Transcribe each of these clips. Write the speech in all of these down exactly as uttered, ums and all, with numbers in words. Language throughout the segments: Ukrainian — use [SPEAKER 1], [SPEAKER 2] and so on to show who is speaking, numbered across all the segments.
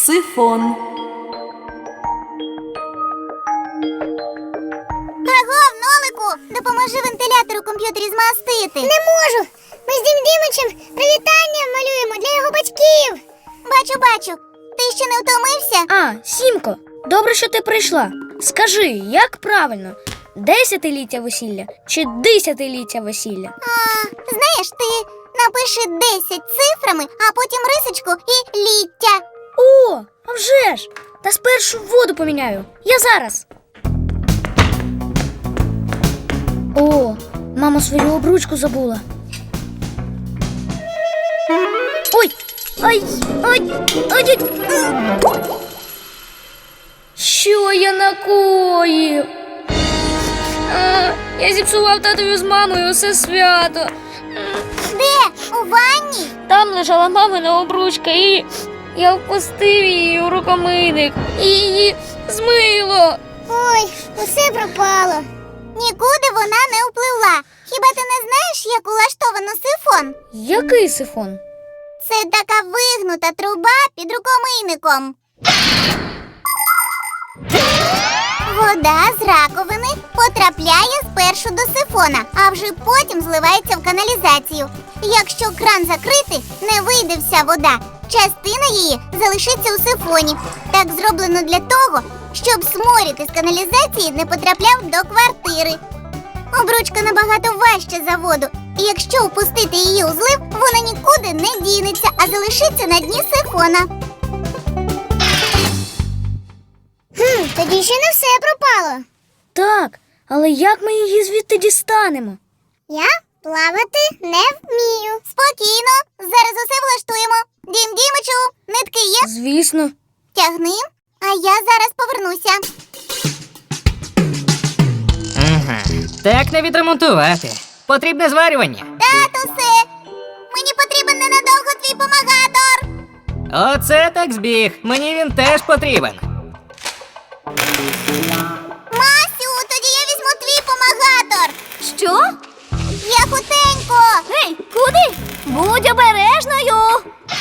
[SPEAKER 1] Сифон.
[SPEAKER 2] Агов, Нолику, допоможи вентилятор у комп'ютері змастити. Не можу. Ми з Дім Дімичем привітання малюємо для його батьків. Бачу, бачу. Ти ще не втомився?
[SPEAKER 3] А, Сімко, добре, що ти прийшла. Скажи, як правильно? Десятиліття весілля чи десятиліття весілля?
[SPEAKER 2] А, знаєш, ти напиши десять цифрами, а потім рисочку і ліття.
[SPEAKER 3] О, а вже ж! Та спершу воду поміняю. Я зараз. О, мама свою обручку забула. Ой! Ай! Ай! Ай! Ай! Що я накоїв? А, я зіпсував татові з мамою усе свято.
[SPEAKER 2] Де? У ванні?
[SPEAKER 3] Там лежала мамина обручка і я впустив її у рукомийник і її змило.
[SPEAKER 2] Ой, усе пропало. Нікуди вона не впливла. Хіба ти не знаєш, як улаштовано сифон?
[SPEAKER 3] Який сифон?
[SPEAKER 2] Це така вигнута труба під рукомийником. Вода з раковини потрапляє спершу до сифона, а вже потім зливається в каналізацію. Якщо кран закрити, не вийде вся вода. Частина її залишиться у сифоні. Так зроблено для того, щоб сморід із каналізації не потрапляв до квартири. Обручка набагато важча за воду, і якщо впустити її у злив, вона нікуди не дінеться, а залишиться на дні сифона. Хм, тоді ще не все пропало.
[SPEAKER 3] Так, але як ми її звідти дістанемо?
[SPEAKER 2] Я плавати не вмію. Спокійно, зараз усе влаштуємо. Дім Дімичу, нитки є?
[SPEAKER 3] Звісно.
[SPEAKER 2] Тягни, а я зараз повернуся.
[SPEAKER 4] Ага. Так не відремонтувати. Потрібне зварювання.
[SPEAKER 2] Татусе, мені потрібен ненадовго твій помагатор.
[SPEAKER 4] Оце так збіг. Мені він теж потрібен.
[SPEAKER 2] Масю, тоді я візьму твій помагатор.
[SPEAKER 3] Що?
[SPEAKER 2] Я хутенько.
[SPEAKER 3] Гей, куди? Будь обережною.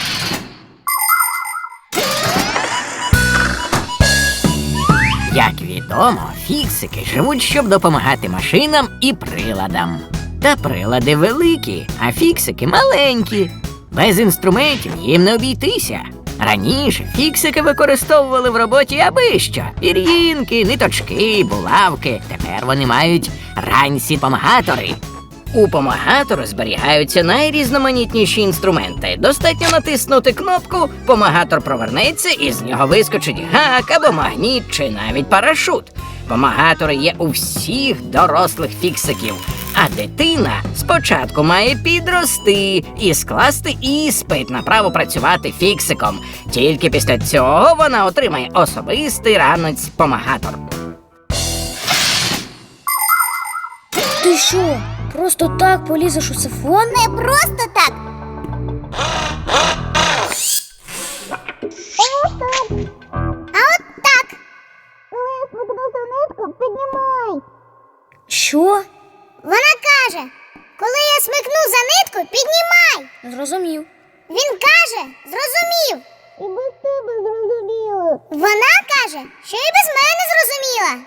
[SPEAKER 5] Як відомо, фіксики живуть, щоб допомагати машинам і приладам. Та прилади великі, а фіксики маленькі. Без інструментів їм не обійтися. Раніше фіксики використовували в роботі аби що. Пір'їнки, ниточки, булавки. Тепер вони мають ранці-помагатори. У помагатору зберігаються найрізноманітніші інструменти. Достатньо натиснути кнопку, помагатор провернеться і з нього вискочить гак або магніт чи навіть парашут. Помагатори є у всіх дорослих фіксиків. А дитина спочатку має підрости і скласти іспит на право працювати фіксиком. Тільки після цього вона отримає особистий ранець-помагатор.
[SPEAKER 3] Ти що, просто так полізеш у сифон?
[SPEAKER 2] Не просто так. А от так. Коли я спіткнуся нитку, піднімай.
[SPEAKER 3] Що?
[SPEAKER 2] Вона каже, коли я смикну за нитку, піднімай.
[SPEAKER 3] Зрозумів.
[SPEAKER 2] Він каже, зрозумів. І без тебе зрозуміло. Вона каже, що і без мене зрозуміла.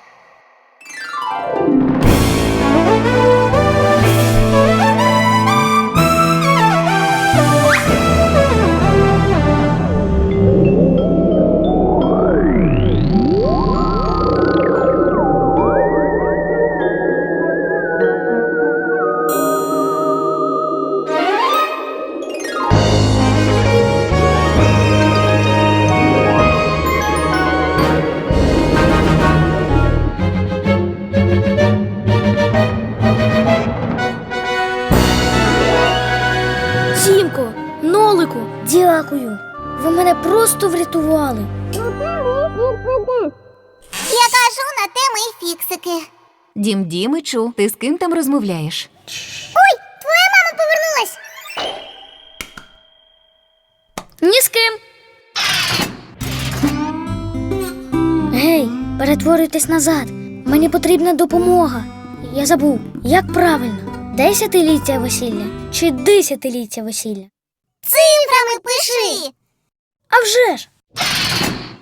[SPEAKER 3] Сімко, Нолику, дякую. Ви мене просто врятували.
[SPEAKER 2] Я кажу, на те ми й фіксики.
[SPEAKER 1] Дім Дімичу, ти з ким там розмовляєш?
[SPEAKER 2] Ой, твоя мама повернулась.
[SPEAKER 3] Ні з ким. Гей, перетворюйтесь назад. Мені потрібна допомога. Я забув, як правильно? Десятиліття весілля чи десятиліття весілля?
[SPEAKER 2] Цифрами пиши.
[SPEAKER 3] А вже ж!